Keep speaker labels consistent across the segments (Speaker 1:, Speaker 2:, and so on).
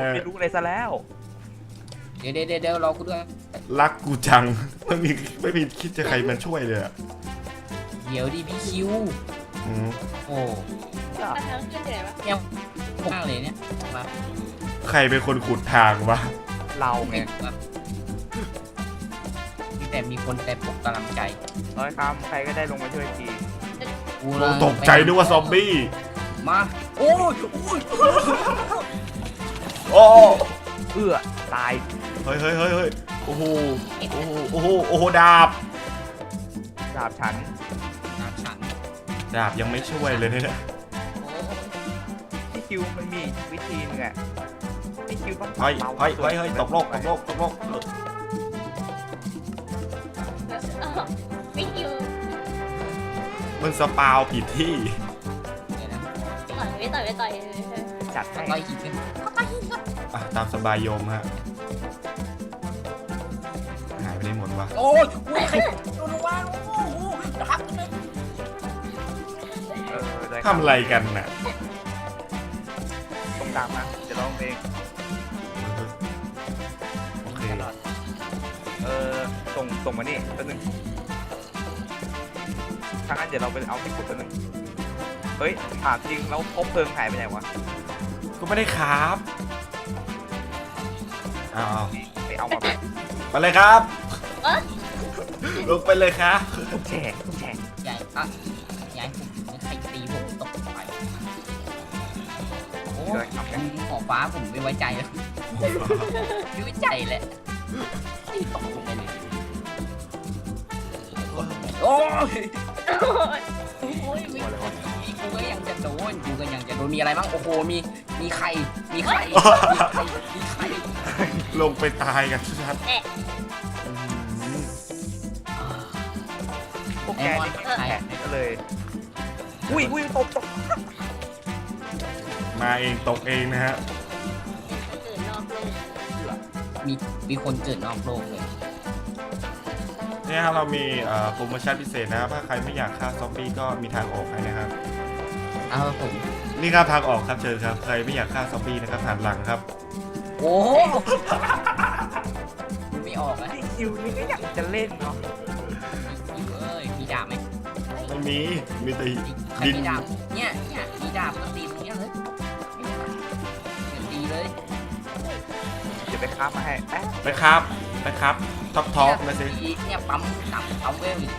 Speaker 1: ไม่รู้อะไรซะแล้ว
Speaker 2: เดี๋ยวรอกูด้วย
Speaker 3: รักกูจังไม่มีคิดจะใครมาช่วยเลยอะ
Speaker 2: เดี๋ยวดิพี่คิว
Speaker 3: อืม
Speaker 2: โอ้
Speaker 4: ทางขึ้นที่ไหนวะ
Speaker 2: เนี่ยมากเลยเนี่ยมา
Speaker 3: ใครเป็นคนขุดทางวะ
Speaker 1: เราไง
Speaker 2: มีแต่มีคนแต่ปลุกกำลังใจ
Speaker 1: ร้อยคำใครก็ได้ลงมาช่วยที
Speaker 2: กู
Speaker 3: ตกใจนึกว่าซอมบี้
Speaker 2: มาโอ้ย
Speaker 3: โอ้
Speaker 1: ตาย
Speaker 3: เฮ้ยโอ้โหโอ้โหดาบ
Speaker 1: ดาบฉัน
Speaker 2: น้ำฉัน
Speaker 3: ดาบยังไม่ช่วยเลยเนี่ย
Speaker 2: โอ้
Speaker 1: พี่คิวมันมีวิธีนึงอะพี่คิวต้อง
Speaker 3: เฮ้ยตกโลก
Speaker 4: ไม่คิว
Speaker 3: มันสปาวผิดที่
Speaker 2: เดี๋ยวนะ
Speaker 4: ต่อย
Speaker 1: จัดให้
Speaker 2: ต่อยอีกเป็น
Speaker 3: อ่ะตามสบายโยมฮะหายไปได้หมดวะ
Speaker 2: โอ้ยใครโดนวางโอ้โหดับเลย
Speaker 1: ได้
Speaker 3: ทำอะไรกันน่ะ
Speaker 1: ตรงดาบมาจะร้องเพลง
Speaker 3: โอเค
Speaker 1: ส่งมานี่ตัวหนึ่งถ้างั้นเดี๋ยวเราไปเอาที่ขุดตัวหนึ่งเฮ้ยถามจริงแล้วคบเพลิงหายไปไหนวะ
Speaker 3: ก็ไม่ได้ครับอ้าว
Speaker 1: ไปเอามาแบบ
Speaker 3: ไปเลยครับลงไปเลยครับ
Speaker 1: ทุกแฉก
Speaker 2: ใหญ่อ่ะใหญ่ผมใครตีผมตกไปโอ้ยหอฟ้าผมไม่ไว้ใจเลยไม่ไว้ใจแหละตีตกลงไปเลยโอ้ย
Speaker 4: โอ้ย
Speaker 1: อะไรวะ
Speaker 2: กูก็ยังจะโดนมีอะไรบ้างโอ้โหมีไข่มีไข่
Speaker 3: ลงไปตายกันชัด
Speaker 1: พวกแกนี่แฉกนี่ก็เลยอุ้ยตก
Speaker 3: มาเองตกเองนะฮะ
Speaker 4: ตื่นนอกโลก
Speaker 2: มีคนเกิดนอกโลกเลย
Speaker 3: เนี่ยเรามีโปรโมชั่นพิเศษนะครับถ้าใครไม่อยากฆ่าซอมบี้ก็มีทางออกให้นะครับ
Speaker 2: เอาผม
Speaker 3: นี่ครับทางออกครับเชิญครับใครไม่อยากฆ่าซอมบี้นะครับหันหลังครับ
Speaker 2: โอ้โหไม่ออกนะ
Speaker 1: พี่คิวนี่ก็อยากจะเล่นเนาะ
Speaker 2: เอ้ยมีดาบไหม
Speaker 3: ไม่มีแต่
Speaker 2: ใคร
Speaker 3: ดิน
Speaker 2: มีดาบเนี่ยมีดาบก็ตีตรงเนี้ยเลยตีเลย
Speaker 1: เดี๋ยวไปค้ามาให้แป๊บ
Speaker 3: ไปครับท็อปนะสิ
Speaker 2: เนี่ยปั๊มเวลอีก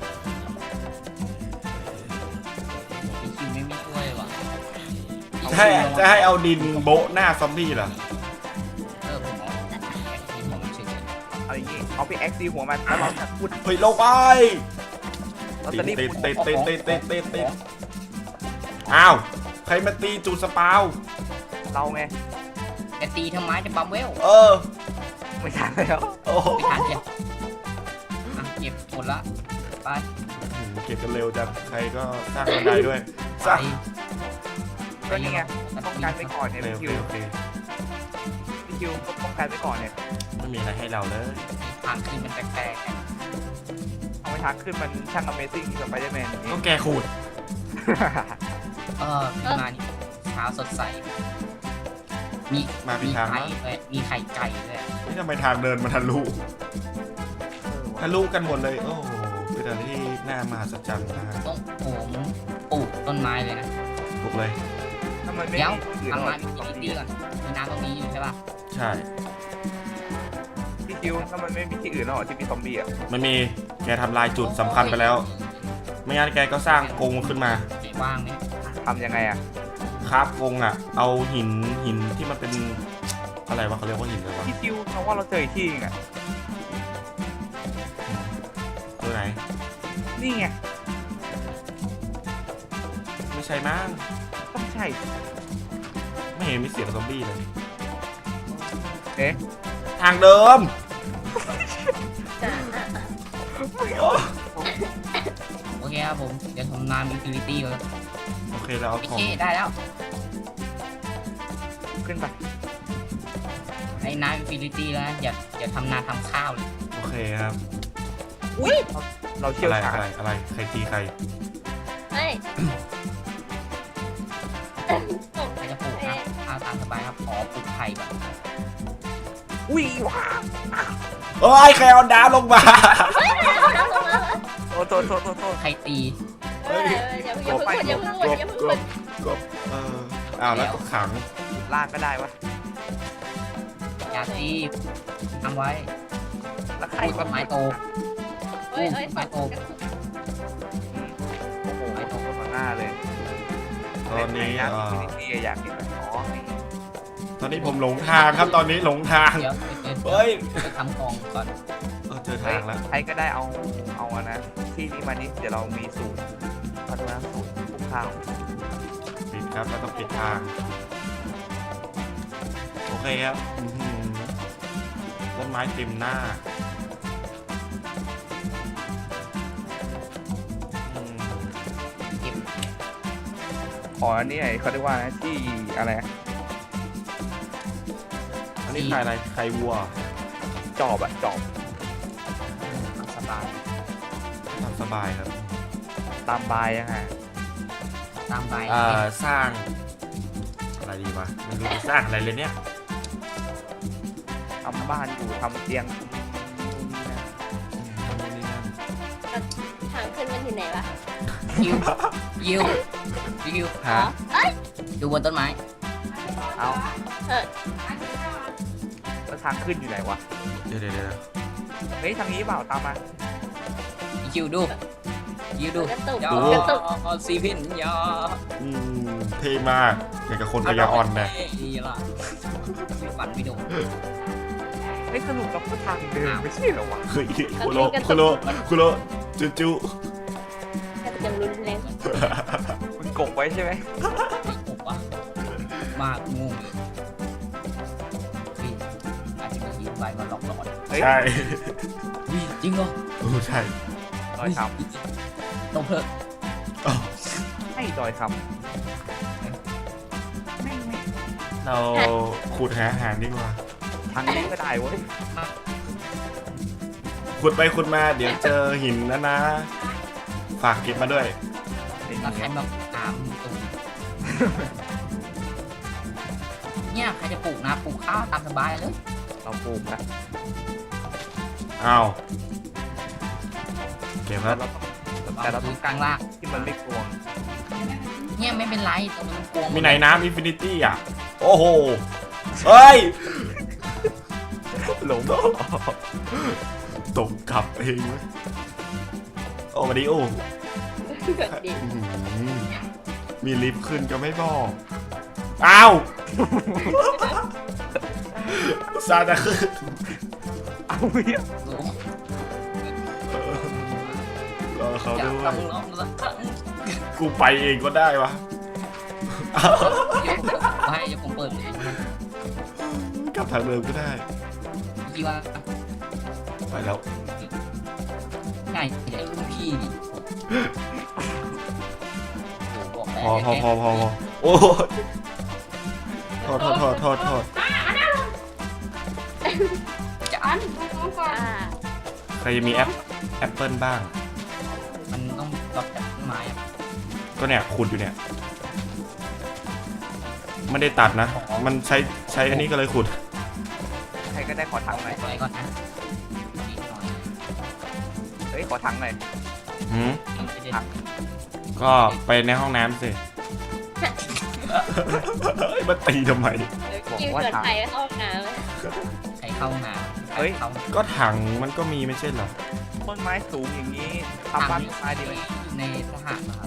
Speaker 2: พี่คิวไม่ช่วยว่ะ
Speaker 3: จะให้เอาดินโบะหน้าซอมบี้เหรอ
Speaker 2: ผมเอาแอคทีฟผมเฉย
Speaker 1: เอาอย่างงี้เอาไปแอ็กซีหัวมันแล้วเราจะพูด
Speaker 3: เฮ้ยลงไป
Speaker 1: เราจะรีบ
Speaker 3: ติดอ้าวใครมาตีจุดสปาว
Speaker 1: เราไง
Speaker 2: ๆแต่ตีทำไมจะปั๊มเวล
Speaker 1: ไม่ทันแล้ว
Speaker 3: โอ้
Speaker 2: ไม่ทันเลยเก็บหมดละไป
Speaker 3: เก็บกันเร็วจังใครก็สร้างบันไดด้วยสร้าง
Speaker 1: ก็นี่ไงป้องกันไปก่อนเนี่ย
Speaker 3: โอ
Speaker 1: พี่
Speaker 3: เค
Speaker 1: คิว
Speaker 3: โอเค
Speaker 1: พี่คิวก็ป้องกันไปก่อนเนี่ย
Speaker 3: ไม่มีอะไรให้เราเลย
Speaker 2: ทางขึ้นมันแปลก
Speaker 1: เอาไปทักขึ้นมันช่าง Amazing กับ Spider-Man อย่าง
Speaker 3: ก็
Speaker 1: นี้
Speaker 3: แกขูด
Speaker 2: ขึ้นมานี่เช้าสดใสมี
Speaker 3: มาผิดทาง
Speaker 2: ไข่
Speaker 3: มั้ง
Speaker 2: ด้วยมีไข่ไก่ด้วย
Speaker 3: นี่ทำไมทางเดินมาทะลุกันหมดเลยโอ้โหเป็นอะไรที่น่ามหัศจรรย์นะฮะ
Speaker 2: ต้องผมปลูกต้นไม้เลยนะ
Speaker 3: บุกเลย
Speaker 1: ถ้ามันไม่
Speaker 2: เดี๋ยว
Speaker 1: มีอื่น
Speaker 2: ทำ
Speaker 1: หร
Speaker 2: มา
Speaker 1: อก
Speaker 2: มี
Speaker 1: สอง
Speaker 2: ที่
Speaker 1: ที
Speaker 2: ก่อนมีน้ำตรงนี้อยู่ใช่ป่ะ
Speaker 3: ใช่
Speaker 1: พี่คิวถ้ามันไม่มีที่อื่นหรอกที่มีซอมบี้อ่ะ
Speaker 3: มันมีแกทำลายจุดสำคัญไปแล้ว ไม่งั้นแกก็สร้างกรงขึ้นมา
Speaker 2: ว่างไหม
Speaker 1: ทำยังไงอ่ะ
Speaker 3: ครับกรงอ่ะ เอาหินที่มันเป็นอะไรวะเขาเรียกว่าหินอะไรวะ
Speaker 1: พี่คิวเพราะว่าเราเจออีกที่นึงอ่ะ
Speaker 3: ตัวไหน
Speaker 1: นี่ไง
Speaker 3: ไม่ใช่มั้ง
Speaker 1: ต้องใช่
Speaker 3: ไม่เห็นมีเสียงซอมบี้เลย
Speaker 1: เอ๊ะ
Speaker 3: ทางเดิม
Speaker 4: จ้ะ
Speaker 2: โอเคครับผมเดี๋ยวทำน้ำอินฟินิตี้ก่อน
Speaker 3: โอเคเราเอา
Speaker 2: โอ
Speaker 3: ของ
Speaker 2: เคได้แล้ว
Speaker 1: ขึ้นไป
Speaker 2: ไอ้น้ำอินฟินิตี้แล้วอย่าทำนาทำข้าวเลย
Speaker 3: โอเคครับ
Speaker 1: อุ้ยเราเชี่ยว
Speaker 3: อะไร
Speaker 1: ชาญ
Speaker 3: อะไรใครตีใคร
Speaker 4: เฮ้ย
Speaker 2: ใครจะปลูกครับข้าวตามสบายครับขอปลูกไข่ผ่ก่อน
Speaker 1: อุ้ยว้า
Speaker 3: โอ้ยใครเอาดาวลงมา
Speaker 1: โทษ
Speaker 2: ใครตี
Speaker 4: อย่าเพิ่งพูดอย่าเพิ่งพูดอย่าเพิ่งพูด
Speaker 3: กบอ้าวแล้วก็ขัง
Speaker 1: ลากก็ได้วะ
Speaker 2: อย่าตีทำไว้
Speaker 1: แล้วใคร
Speaker 2: ต้นไม้โต
Speaker 4: เอ้ย
Speaker 2: ไม้โต
Speaker 1: โอ้โหไอ้ตรงต้นหน้าเลย
Speaker 3: ตอนนี้
Speaker 1: นี่อยากเห็นไหมอ๋อ
Speaker 3: ตอนนี้ผมหลงทางครับตอนนี้หลงทาง
Speaker 2: เดี๋ยว
Speaker 3: เฮ้ย
Speaker 2: ไปทำกองก่อน
Speaker 3: เจอทางแล้ว
Speaker 1: ใครก็ได้เอาอะนะที่นี่มานี่เดี๋ยวเรามีสูตรพัฒนาสูตรปลูกข้าว
Speaker 3: ปิดครับแล้วต้องปิดทางโอเคครับต้นไม้เต็มหน้า
Speaker 2: เก็บ
Speaker 1: อ๋ออันนี้เขาเรียกว่าที่อะไร
Speaker 3: อันนี้ใครอะไรใครวัว
Speaker 1: จอบจอบ
Speaker 2: สบาย
Speaker 3: ทำสบายครับ
Speaker 1: ตามบายยังไง
Speaker 2: ตามไป
Speaker 3: สร้างอะไรดีวะไม่รู้จะสร้างอะไรเลยเนี่ย
Speaker 1: ทำบ้านอยู่ทำเตียง
Speaker 3: ทำนู่นนี่นั่น
Speaker 4: ทางขึ้นมันที่ไหนวะ
Speaker 2: ยิว
Speaker 3: ฮะ
Speaker 2: ดูบนต้นไม้
Speaker 1: เอา
Speaker 4: เออ
Speaker 1: แล้วทางขึ้นอยู่ไหนวะ
Speaker 3: เดี๋ยว
Speaker 1: เฮ้ยทางนี้เปล่าตามมา
Speaker 2: ยิวดูดู
Speaker 4: กระตุก
Speaker 2: ย
Speaker 4: กระตุก
Speaker 2: อซีพินยอ
Speaker 3: เท่มากอย่างกับคนพยาอ่อนนะ
Speaker 2: นี่ล่ะฝันไม่โดน
Speaker 1: เฮ้ยสรุปเราก็ทางเดิมไม่ใช่เหรอวะ
Speaker 3: เฮ้ยคุโรจุ
Speaker 4: กระตุกรุนแรง
Speaker 1: มันกบไว้ใช่ไหม
Speaker 2: ไม่ปกวะมากงงอาจจะมีไฟมาหลอกหลอน
Speaker 3: ใช่
Speaker 2: จริงเหรอ
Speaker 3: ใช่
Speaker 1: ดอยค
Speaker 2: ตรงเพลิง
Speaker 1: ำให้ดอยค
Speaker 3: เราขุดหาอาหารดีกว่า
Speaker 1: ำทางนี้ก็ได้เว้ย
Speaker 3: ขุดไปขุดมาเดี๋ยวเจอหินนะฝากเก็บมาด้วย
Speaker 2: แล้วใครมาตามตูเนี่ยใครจะปลูกนะปลูกข้าวตามสบายเลย
Speaker 1: เราปลูกนะ
Speaker 3: อ้าวเก็บครับ
Speaker 1: แต่เราต้อง
Speaker 2: กลางล่าง
Speaker 1: ที่มันไม่กลวง
Speaker 2: เนี่ยไม่เป็นไรตรงนี้มันกวง
Speaker 3: มีไหนน้ำอินฟินิตี้อ่ะโอ้โหเฮ้ย
Speaker 1: หลง
Speaker 3: ตกกลับเองเว้ยโอ้มาดิโอ
Speaker 4: เกิดดิ
Speaker 3: มีลิฟต์ขึ้นก็ไม่บอกอ้าวซาจะขึ้น
Speaker 1: เอาเหี้ย
Speaker 3: รอเขา
Speaker 2: อยา
Speaker 3: ด้
Speaker 2: ก
Speaker 3: วย
Speaker 2: ลองสักครั้ง
Speaker 3: กูไปเองก็ได้วะ
Speaker 2: ให้เดี๋ยวผมเปิดเลย
Speaker 3: กลับทางเดิมก็ได้
Speaker 2: คิดว่า
Speaker 3: ไปแล้ว
Speaker 2: ง่ายใหญ่รุ่นพี่ดิบอกแล้ว
Speaker 3: พอโอ้โทษ
Speaker 2: จะอัน
Speaker 3: ใครจะมีแอปเปิลบ้าง
Speaker 2: มันต้องรับจากต้นไม้อะ
Speaker 3: ก็เนี่ยขุดอยู่เนี่ยไม่ได้ตัดนะ มันใช้อันนี้ก็เลยขุด
Speaker 1: ใครก็ได้ขอถังหน่อย
Speaker 2: ไปก่อนนะนิดหน่อย
Speaker 1: เฮ้ยขอถังหน่อย
Speaker 2: ไม่ได้
Speaker 3: ก็ไปในห้องน้ำสิมันตีทำไม
Speaker 4: คิวชวนใครเข้าห้องน้
Speaker 2: ใครเข้ามาเข้า
Speaker 3: ก็ถังมันก็มีไม่ใช่เหรอ
Speaker 1: ต้นไม้สูงอย่างนี้ทำบ้านต้นไม้ดีไหม
Speaker 2: ในทหารนะครับ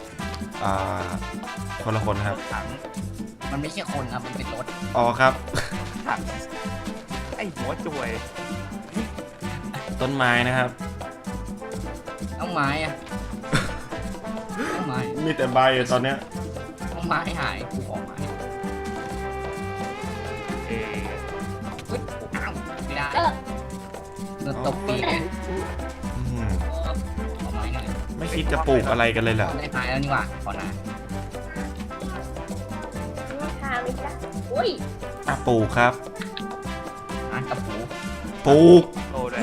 Speaker 3: คนละคนครับ
Speaker 1: ถัง
Speaker 2: มันไม่ใช่คนครับมันเป็นรถ
Speaker 3: อ๋อครับ
Speaker 1: ถังไอหัวจวย
Speaker 3: ต้นไม้นะครับ
Speaker 2: ต้องไม้อะต้องไม้
Speaker 3: มีแต่ใบอะตอนเนี้ย
Speaker 2: ต้องไม้หายกูขอไม้
Speaker 1: เอ
Speaker 2: เฮ้ยอ้าวไม่ได้
Speaker 4: ำก็
Speaker 2: โดนตบปีก
Speaker 3: อืม
Speaker 2: ขอไม้หน่อย
Speaker 3: ไม่คิดจะปลูกอะไรกันเลยเหรอ
Speaker 2: ได้ไม้แล้วนี่หว่าขอหนา
Speaker 4: ทางนี้จ้ะอุ้ย
Speaker 3: ปลูกครับ
Speaker 2: อ่ะกระปู
Speaker 3: ปลูก
Speaker 1: โตด้วย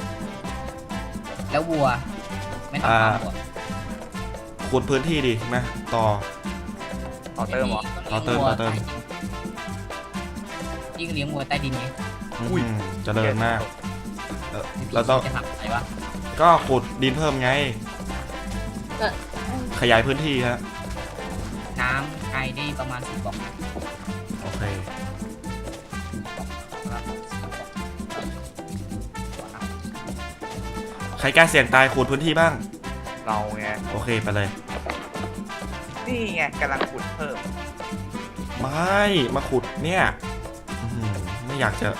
Speaker 2: แล้ววัว ไม่ต้องทำวัว
Speaker 3: ขุดพื้นที่ดิมาต่อ
Speaker 1: ต่อเติมเหรอ
Speaker 3: ต่อเติม
Speaker 2: พี่ก็เลี้ยงวัวใต้ดินไง
Speaker 3: เจริญมาก
Speaker 2: พี่
Speaker 3: เราต้อง
Speaker 2: จะทำอะไรวะ
Speaker 3: ก็ขุดดินเพิ่มไง ขยายพื้นที่ฮะ
Speaker 2: น้ำไกลได้ประมาณ10 บอกนะ
Speaker 3: โอเค ใครกล้าเสี่ยงตายขุดพื้นที่บ้าง
Speaker 1: เราไง
Speaker 3: โอเคไปเลย
Speaker 1: นี่ไงกำลังขุดเพิ่ม
Speaker 3: ไม่มาขุดเนี่ยไม่อยากจะ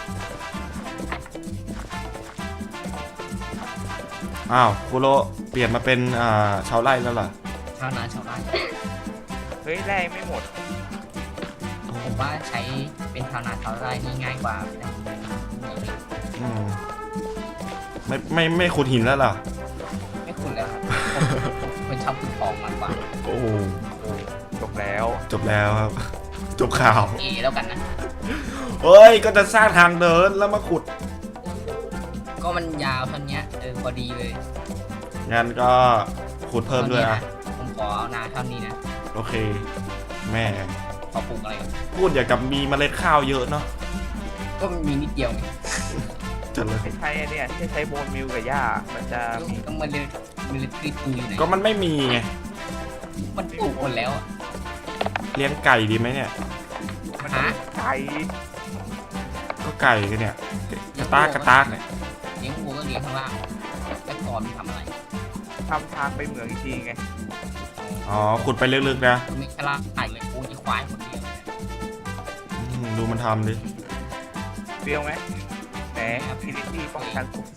Speaker 3: อ้าวคุโรเปลี่ยนมาเป็นชาวไร่แล้วเหรอ
Speaker 2: ชาวนาชาวไร่
Speaker 1: เฮ้ยแร่ไม่หมด
Speaker 2: ผมว่าใช้เป็นชาวนาชาวไร่นี่ง่ายกว่านะ
Speaker 3: อืมไม่ขุดหินแล้วเหรอ
Speaker 2: ไม่คุณแล้วครับผมคนชอบขุดทองมากกว่า
Speaker 3: โอ้
Speaker 1: จบแล้ว
Speaker 3: จบแล้วครับ จบข่าว
Speaker 2: แล้วกันนะ
Speaker 3: เฮ้ยก็จะสร้างทางเดินแล้วมาขุด
Speaker 2: ก็มันยาวเท่านี้พอดีเลย
Speaker 3: งั้นก็ขุดเพิ่มด้วยอ่ะ
Speaker 2: ผมขอเอานาเท่านี้นะ
Speaker 3: โอเค แม่
Speaker 2: ขอปลูกอะไรกัน
Speaker 3: พูดอย่างกับมีเมล็ดข้าวเยอะเนาะ
Speaker 2: ก็มันมีนิดเดียวไง
Speaker 3: จะเลย
Speaker 1: ใช้เนี่ยที่ใช้โบนมิลกับหญ้ามันจะมี
Speaker 2: ก็มันเลยคือตูอยู่ไหน
Speaker 3: ก็มันไม่มีไง
Speaker 2: มันปลูกหมดแล้วอ่ะ
Speaker 3: เลี้ยงไก่ดีไหมเนี่ย
Speaker 1: มันมีไก่
Speaker 3: ก็ไก่กันเนี่ยกระตากเนี่ย
Speaker 2: เลี้ยงวัวก็เลี้ยงข้างล่างแล้วก่อนมันทำอะไร
Speaker 1: ทำทางไปเหมืองอีกทีไง
Speaker 3: อ๋อขุดไปลึกๆนะ
Speaker 2: ไม่กล้าไก่เลยโอ้ยควายคนเดียวเลย
Speaker 3: ดูมันทำดิ
Speaker 1: เปรี้ยวไหมแหมพิลิตี้ป้องกันสูง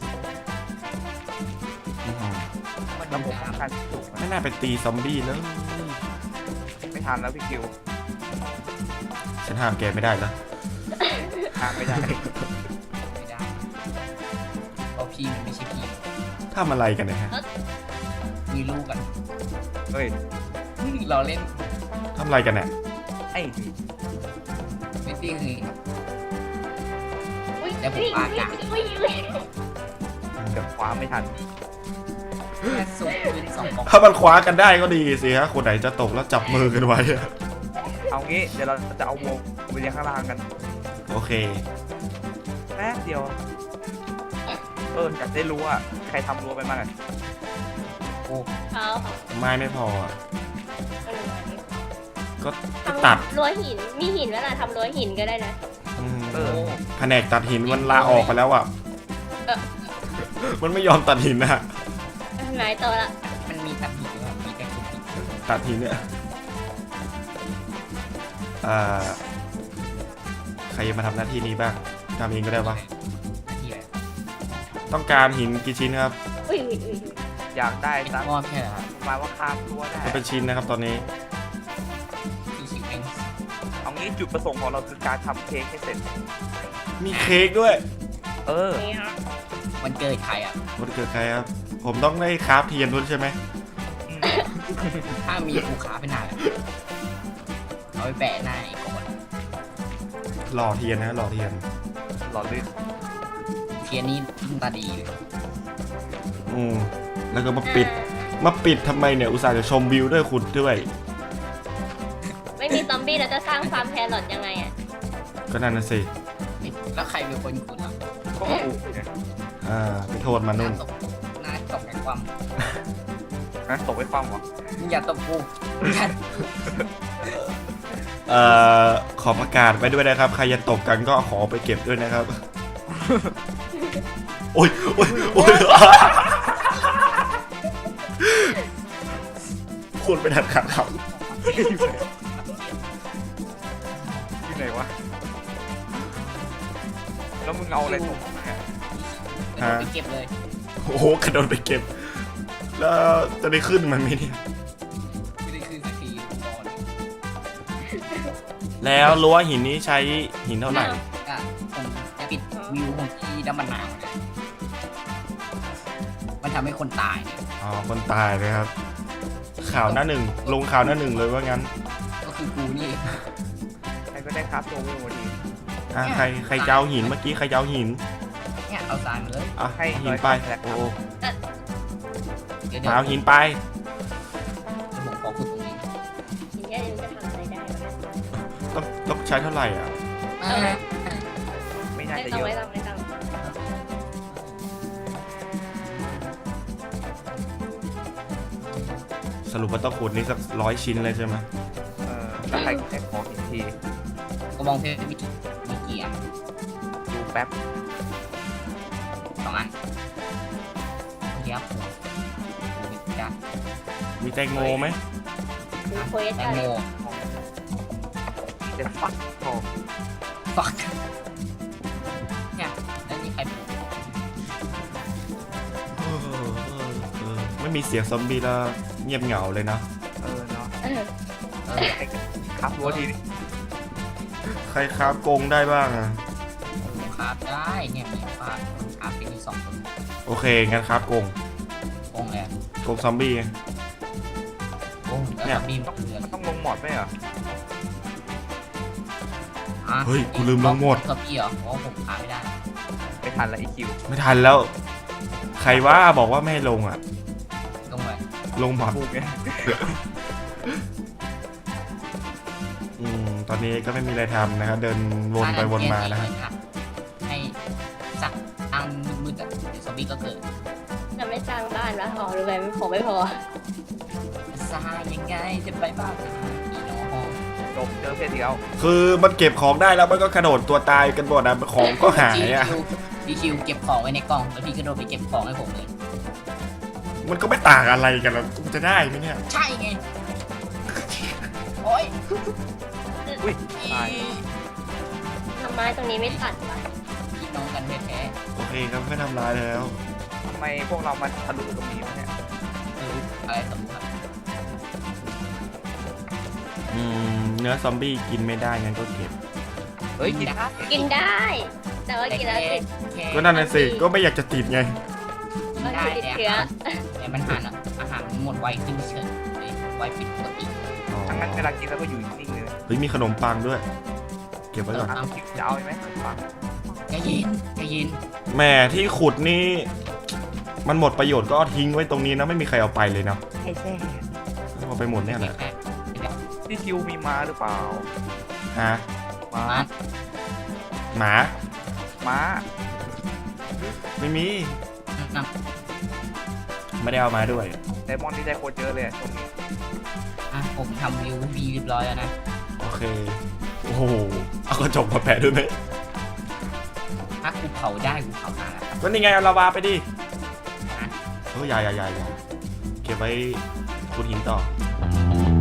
Speaker 2: มัน
Speaker 1: ระ
Speaker 2: ดู
Speaker 1: บบป้อง
Speaker 2: น้ำ
Speaker 1: กันสูง
Speaker 3: ไม่น่าไปตีซอมบี้เลย
Speaker 1: ไม่ทันแล้วพี่คิว
Speaker 3: ฉันห้ามแกไม่ได้แล้ว
Speaker 1: ทางไม่ได้
Speaker 2: ไม่ได้เพราะพี่มันไม่ใช่พี่
Speaker 3: ทำอะไรกันเนี่ยฮะ
Speaker 2: มีลูกกัน
Speaker 1: เฮ้ย
Speaker 2: เราเล่น
Speaker 3: ทำอะไรกันเนี่ย
Speaker 1: ไอ้
Speaker 2: ไม่ติ้งคือ
Speaker 4: อุ้ย
Speaker 2: แล้วผมปากกา
Speaker 4: อุ้ย
Speaker 1: เกือบคว้าไม่ทัน
Speaker 2: แค่สูงขึ้น2 บอก
Speaker 3: ถ้ามันคว้ากันได้ก็ดีสิฮะคนไหนจะตกแล้วจับมือกันไว้อะ
Speaker 1: เอางี้เดี๋ยวเราจะเอาวงไปเลี้ยงข้างล่างกัน
Speaker 3: โอเค
Speaker 1: แป๊บเดียวอยากได้รู้ว่าใครทำรั้วไปบ้างอะ
Speaker 4: เอา
Speaker 3: ไม่พออะก็
Speaker 4: ทำ
Speaker 3: ตัด
Speaker 4: รั้วหินมีหินเวลาทำรั้วหินก็ได้นะ
Speaker 3: แผนกตัดหินมันลาออกไปแล้วอ่ะ มันไม่ยอมตัดหินนะ
Speaker 4: นายโตละ
Speaker 2: มันมีตัดหินด้วยมีแต่ขุดหิน
Speaker 3: ตัดหินเนี่ยใครจะมาทำหน้าที่นี้บ้างทำเองก็ได้ปะ
Speaker 2: หน้าที่อะไร
Speaker 3: ต้องการหินกี่ชิ้นครับ
Speaker 4: อุ้ย
Speaker 1: อยากได้
Speaker 2: เป็น
Speaker 1: สัก
Speaker 2: มอดแค่เหรอครับ
Speaker 1: มาว่าข้ามรั้วได้
Speaker 3: มันเป็นชิ้นนะครับตอนนี้
Speaker 2: คือชิวเอง
Speaker 1: เอางี้จุดประสงค์ของเราคือการทำเค้กให้เสร็จ
Speaker 3: มีเค้กด้วย
Speaker 4: นี่ฮะ
Speaker 2: มันเกิดใครอ่ะ
Speaker 3: วันเกิดใครครับ ผมต้องได้คราฟเทียนด้วยใช่ไหม
Speaker 2: ถ้ามีผูกขาเป็นหน้าแหละเอาไปแปะหน้าไอ้ก่อน
Speaker 3: หล่อเทียนนะหล่อเทียน
Speaker 1: หล่อลื่น
Speaker 2: เทียนนี้ยิ่งตาดีเลย
Speaker 3: แล้วก็มาปิดทำไมเนี่ยอุตส่าห์จะชมวิวด้วยคุณด้วย
Speaker 4: ไม่มีซอมบี้แล้วจะสร้างฟาร์มแครอทยังไงอ่ะ
Speaker 3: ก็นั่นนะสิ
Speaker 2: แล้วใครเป็นคนขุดอ่ะ
Speaker 1: ก็ปลูกเนี่ย
Speaker 3: ไปโทษมันนู่น
Speaker 2: หน้าตกไอ้ความ
Speaker 1: นะตกไปความเหรอ
Speaker 2: มึงอย่าตบกูอย่า
Speaker 3: ขอประกาศไปด้วยนะครับ ใครจะตกกันก็ขอไปเก็บด้วยนะครับ โอ้ยคุณไปทันขาดครับ
Speaker 1: ที่ไหนวะแล้วมึงเอาอะไรตกมาเนี่ย
Speaker 2: ไปเก็บเลย
Speaker 3: โอ้โหกระโดดไปเก็บ แล้วจะได้ขึ้นมันไหมเนี่ย
Speaker 2: ไม่ได้คืนสักทีรอเลย
Speaker 3: แล้วรั้วหินนี้ใช้หินเท่าไหร่
Speaker 2: ก็ผมจะปิดวิวของที่น้ำมันหนาวนะมันทำให้คนตายเนี่ย
Speaker 3: อ๋อ คนตายเลยครับ ข่าวหน้าหนึ่ง ลงข่าวหน้าหนึ่งเลยว่างั้น
Speaker 2: ก็คือกูนี่
Speaker 1: ใครก็ได้ครับตัววิวพอดี
Speaker 3: ใครจะเอาหินเมื่อกี้ใครจะเอาหิน
Speaker 2: เนี่ยเอาทรายมาเลย
Speaker 3: ให้หินไป โอ้
Speaker 2: เดี๋ยว
Speaker 3: มาเอาหินไป
Speaker 2: ผมขอขุดตรงนี้
Speaker 4: หินแค่นี้จะทำอะไรได้วะ
Speaker 3: ต้องใช้เท่าไหร่อ่ะ
Speaker 1: น่า
Speaker 4: ไม่
Speaker 1: จะ
Speaker 4: ต้อ
Speaker 1: เย
Speaker 4: ง
Speaker 1: อะ
Speaker 4: ไม่ต้อง
Speaker 3: สรุปว่าต้องขุดนี่สัก100 ชิ้นเลยใช่ไหม
Speaker 1: แล้วใครแข่งของอีกที
Speaker 2: กระบองเพชรมีกี่อัน
Speaker 1: ดูแป๊บ
Speaker 2: 2 อันเดี๋ยวผมจะ
Speaker 3: มีแตงโมไหม
Speaker 4: ดูเควส
Speaker 2: แตง
Speaker 4: อะไร
Speaker 2: โม
Speaker 1: เดี๋ยวฟักทอง
Speaker 2: ฟักเนี่ยแล้วนี่ใครปลูก
Speaker 3: ไม่มีเสียงซอมบี้แล้วเงียบเหงาเลยนะ
Speaker 1: เนาะ
Speaker 4: เออ
Speaker 1: ครับรั้วทีนี้
Speaker 3: ใครคราฟกรงได้บ้างอ่ะ
Speaker 2: ครับได้เนี่ยมีฟาดครับเป็นที่2 คน
Speaker 3: โอเคงั้นคราฟกรง
Speaker 2: โองเลย
Speaker 3: กรงซอมบี้
Speaker 2: โองแล้วบีมเรือ
Speaker 1: มันต้องลงหมอดไหมเหรอ
Speaker 3: เฮ้ยกูลืมลงหมด
Speaker 2: กับพี่เหรอเพราะผมขาไม่ได้
Speaker 1: ไม่ทันละอีคิว
Speaker 3: ไม่ทันแล้ว ใครว่าบอกว่าไม่ให้ลงอ่ะ
Speaker 2: ลงไป
Speaker 3: ลงหมด
Speaker 1: พูดไง
Speaker 3: ตอนนี้ก็ไม่มีอะไรทำนะครับเดินวนไปวนมานะฮะ
Speaker 2: ให้สักทางมืดๆอ่ะเดี๋ยวซอมบี้ก็เกิด
Speaker 4: จะไม่สร้างบ้านวะอ๋อหรือไงผมไม่พอ
Speaker 2: สร้างยังไงจะไปบ้านอีน้อง
Speaker 1: จบเจอเพศเดียว
Speaker 3: คือมันเก็บของได้แล้วมันก็กระโดดตัวตายกันหมดนะของก็หายอ่ะ
Speaker 2: พี่คิวเก็บของไว้ในกล่องแล้วพี่ก็โดดไปเก็บของให้ผมเลย
Speaker 3: มันก็ไม่ต่างอะไรกันแล้วกูจะได้ไหมเนี่ย
Speaker 2: ใช่ไงโอ้ย
Speaker 1: อุ้ยตาย
Speaker 4: ทำไมตรงนี้ไม่ตัดวะ
Speaker 2: พี่น้องกันแท้
Speaker 3: โอเคครับไม่ทำร้ายแล้ว
Speaker 1: ทำไมพวกเรามันทะลุตรงนี้วะเนี่ย
Speaker 2: ๆอะไรสมมติครับ
Speaker 3: เนื้อซอมบี้กินไม่ได้งั้นก็เก็บ
Speaker 1: เฮ้ยกิน
Speaker 4: กินได้ แต่ว่ากินแล้วติด
Speaker 3: ก็นั่นน่ะสิก็ไม่อยากจะติดไง
Speaker 4: ก็
Speaker 2: ได้
Speaker 4: คือติด
Speaker 2: แต่
Speaker 4: เชื้อ
Speaker 2: แต่มันอาหารมันหมดไวขึ้นเฉยไวผิดปกติ
Speaker 1: ทั้งนั้นเวลากินแล้วก็อยู่นิ่งๆเลย
Speaker 3: เฮ้ยมีขนมปังด้วย เก็บไว้ก่อน
Speaker 1: คิวจะเอาไหมฟัง
Speaker 2: ใจเย็นใจเย็น
Speaker 3: แหม่ที่ขุดนี่ มันหมดประโยชน์ก็เอาทิ้งไว้ตรงนี้นะไม่มีใครเอาไปเลยนะ
Speaker 1: ไอ้แซ่
Speaker 3: เอาไปหมดเนี่ยแหละ
Speaker 1: ที่คิวมีม้าหรือเปล่า
Speaker 3: ฮะ
Speaker 1: ม้า
Speaker 3: หมา
Speaker 1: ม้า
Speaker 3: ไม่มีไม่ได้เอามาด้วย
Speaker 1: ไดมอนด์ที่ได้โคตรเยอะเลยตรงนี้
Speaker 2: ผมทำวิววีเรียบร้อยแล้วนะ
Speaker 3: โอเคโอ้โหเอากระจกมาแปะด้วยไหม
Speaker 2: ถ้ากูเผาได้กูเผามาแล้ว
Speaker 3: ก็นี่ไงเอาลาวาไปดิเฮ้ยอย่าเก็บไว้ขุดหินต่อ